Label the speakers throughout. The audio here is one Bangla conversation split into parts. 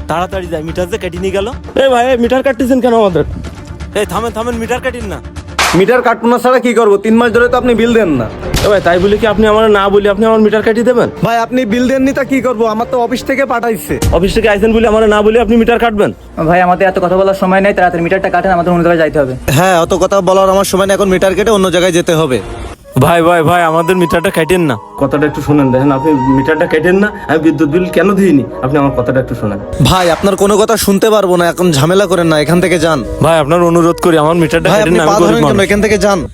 Speaker 1: তাড়াতাড়ি যাই, মিটার যে কেটে নিয়ে গেল।
Speaker 2: ভাই মিটার কাটতেছেন কেন আমাদের?
Speaker 1: থামেন, মিটার কাটিন না।
Speaker 2: মিটার কাটবো না ছাড়া কি করবো? 3 মাস ধরে তো আপনি বিল দেন না। ভাই তাই বলি কি আপনি আমার না বলি আপনি আমার মিটার কাটিয়ে দেবেন?
Speaker 3: ভাই আপনি বিল দেননি তা কি করবো? আমার তো অফিস থেকে পাঠাইছে।
Speaker 2: অফিস থেকে আইসেন বলে আমার না বলে আপনি মিটার কাটবেন?
Speaker 4: ভাই আমাদের এত কথা বলার সময় নেই, তাড়াতাড়ি মিটারটা কাটেন, আমাদের অন্য জায়গায় যাইতে হবে।
Speaker 3: হ্যাঁ, অত কথা বলার আমার সময় নেই, এখন মিটার কেটে অন্য জায়গায় যেতে হবে।
Speaker 1: ভাই আমাদের মিটারটা কাটেন না।
Speaker 2: কথাটা একটু শোনেন, দেখেন আপনি মিটারটা কেটেন না, আমি বিদ্যুৎ বিল কেন দিইনি, আপনি আমার কথাটা একটু শোনেন।
Speaker 3: ভাই আপনার কোনো কথা শুনতে পারবো না, এখন ঝামেলা করেন না, এখান থেকে যান।
Speaker 1: ভাই আপনার অনুরোধ করি আমার মিটারটা
Speaker 3: ভাই
Speaker 1: কাটেন
Speaker 3: আপনি
Speaker 1: না,
Speaker 3: পা
Speaker 1: আমি গরিব
Speaker 3: ধরেন কেন?
Speaker 1: মানুষ।
Speaker 3: এখান থেকে যান।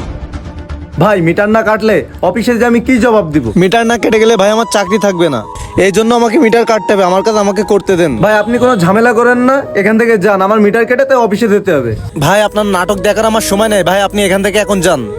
Speaker 5: ভাই মিটার না কাটলে অফিসে যে আমি কি জবাব দিব?
Speaker 3: মিটার না কেটে গেলে ভাই আমার চাকরি থাকবে না, এই জন্য আমাকে মিটার কাটতে হবে, আমার কাজ আমাকে করতে দেন।
Speaker 5: ভাই আপনি কোনো ঝামেলা করেন না, এখান থেকে যান, আমার মিটার কেটে তো অফিসে যেতে হবে।
Speaker 3: ভাই আপনার নাটক দেখার আমার সময় নেই, ভাই আপনি এখান থেকে এখন যান।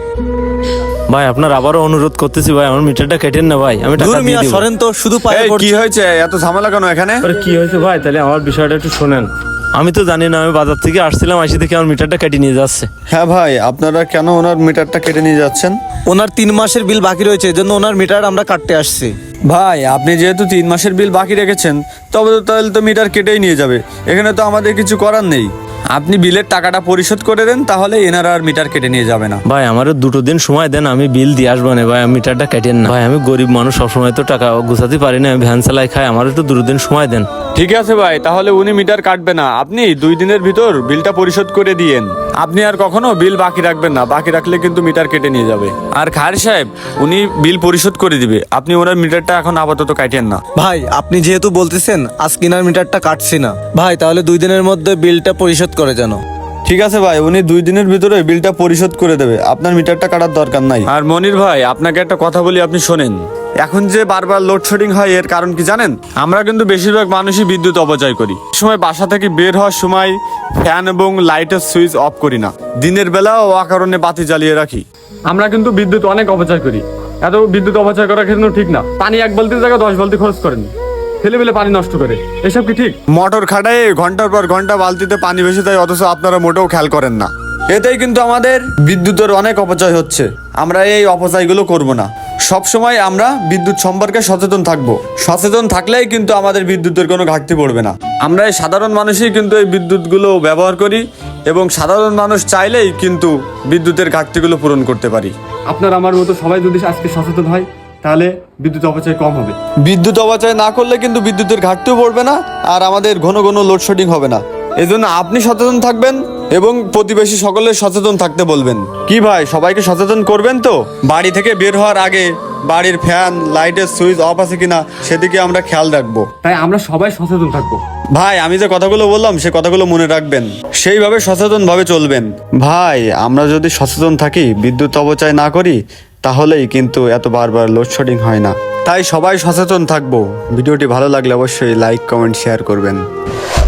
Speaker 1: ভাই আপনার আবারও অনুরোধ করতেছি ভাই, আমার মিটারটা কেটেন না ভাই, আমি টাকা
Speaker 3: দূর
Speaker 1: দিয়ে
Speaker 3: মিয়া
Speaker 1: দিব।
Speaker 3: সরেন তো, শুধু পায়ে
Speaker 6: কি
Speaker 3: পড়ছে।
Speaker 6: হয়েছে? এত ঝামেলা কেন এখানে?
Speaker 2: আরে কি হয়েছে ভাই? তাহলে আমার বিষয়টা একটু শোনেন।
Speaker 1: আমি তো জানি না, আমি বাজার থেকে আসছিলাম, আসি দেখে আমার মিটারটা কেটে নিয়ে যাচ্ছে।
Speaker 6: হ্যাঁ ভাই, আপনারা কেন ওনার মিটারটা কেটে নিয়ে যাচ্ছেন?
Speaker 3: ওনার 3 মাসের বিল বাকি রয়েছে, এই জন্য ওনার মিটার আমরা কাটতে আসছি।
Speaker 6: ভাই আপনি যেহেতু 3 মাসের বিল বাকি রেখেছেন, তাহলে তো মিটার কেটেই নিয়ে যাবে, এখানে তো আমাদের কিছু করার নেই। আপনি বিলের টাকাটা পরিশোধ করে দেন, তাহলে এনারা আর মিটার কেটে নিয়ে যাবে না।
Speaker 1: ভাই আমারও 2 দিন সময় দেন, আমি বিল দিয়ে আসবো না ভাই, আমি মিটারটা কেটেন না ভাই, আমি গরিব মানুষ, সবসময় তো টাকা গুছাতে পারি না, আমি ভ্যান চালাই খাই, আমার একটু 2 দিন সময় দেন।
Speaker 6: ঠিক আছে ভাই, তাহলে উনি মিটার কাটবে না, আপনি 2 দিনের ভিতর বিলটা পরিশোধ করে দিয়েন। আপনি আর কখনো বিল বাকি রাখবেন না, বাকি রাখলে কিন্তু মিটার কেটে নিয়ে যাবে। আর খায়ের সাহেব উনি বিল পরিশোধ করে দিবে, আপনি ওনার মিটারটা এখন আপাতত কাটেন না।
Speaker 3: ভাই আপনি যেহেতু বলতেছেন আজ কিনার মিটারটা কাটছি না, ভাই তাহলে 2 দিনের মধ্যে বিলটা পরিশোধ করে জানো।
Speaker 6: ঠিক আছে ভাই, উনি 2 দিনের ভিতরে বিলটা পরিশোধ করে দেবে, আপনার মিটারটা কাটার দরকার নাই। আর মনির ভাই আপনাকে একটা কথা বলি, আপনি শোনেন। এখন যে বারবার লোডশেডিং হয় এর কারণ কি জানেন? আমরা কিন্তু বেশিরভাগ মানুষই বিদ্যুৎ অপচয় করি। সময় বাসা থেকে বের হওয়ার সময় ফ্যান এবং লাইটের সুইচ অফ করি না, দিনের বেলাও অকারণে বাতি জ্বালিয়ে রাখি।
Speaker 7: আমরা কিন্তু বিদ্যুৎ অনেক অপচয় করি, এত বিদ্যুৎ অপচয় করা কিন্তু ঠিক না। পানি 1 বালতির জায়গায় 10 বালতি খরচ করেন, ছেলেবেলে পানি নষ্ট করে, এসব কি ঠিক?
Speaker 6: মোটর খাটায় ঘন্টার পর ঘন্টা বালতিতে পানি ভেসে যায়, অথচ আপনারা মোটেও খেয়াল করেন না। এতেই কিন্তু আমাদের বিদ্যুতের অনেক অপচয় হচ্ছে। আমরা এই অপচয়গুলো করব না, সব সময় আমরা বিদ্যুৎ সম্পর্কে সচেতন থাকব। সচেতন থাকলেই কিন্তু আমাদের বিদ্যুতের কোনো ঘাটতি পড়বে না। আমরা এই সাধারণ মানুষই কিন্তু এই বিদ্যুৎগুলো ব্যবহার করি, এবং সাধারণ মানুষ চাইলেই কিন্তু বিদ্যুতের ঘাটতিগুলো পূরণ করতে পারি।
Speaker 7: আপনার আমার মতো সবাই যদি আজকে সচেতন হয়, তাহলে বিদ্যুৎ অপচয় কম হবে।
Speaker 6: বিদ্যুৎ অপচয় না করলে কিন্তু বিদ্যুতের ঘাটতিও পড়বে না, আর আমাদের ঘন ঘন লোডশেডিং হবে না। এই জন্য আপনি সচেতন থাকবেন এবং প্রতিবেশী সকলের সচেতন থাকতে বলবেন। কি ভাই, সবাইকে সচেতন করবেন তো? বাড়ি থেকে বের হওয়ার আগে বাড়ির ফ্যান লাইটের সুইচ অফ আছে কিনা সেদিকে আমরা খেয়াল রাখবো।
Speaker 7: তাই আমরা সবাই সচেতন থাকবো।
Speaker 6: ভাই আমি যে কথাগুলো বললাম সে কথাগুলো মনে রাখবেন, সেইভাবে সচেতন ভাবে চলবেন। ভাই আমরা যদি সচেতন থাকি, বিদ্যুৎ অপচয় না করি, তাহলেই কিন্তু এত বারবার লোডশেডিং হয় না। তাই সবাই সচেতন থাকবো। ভিডিওটি ভালো লাগলে অবশ্যই লাইক কমেন্ট শেয়ার করবেন।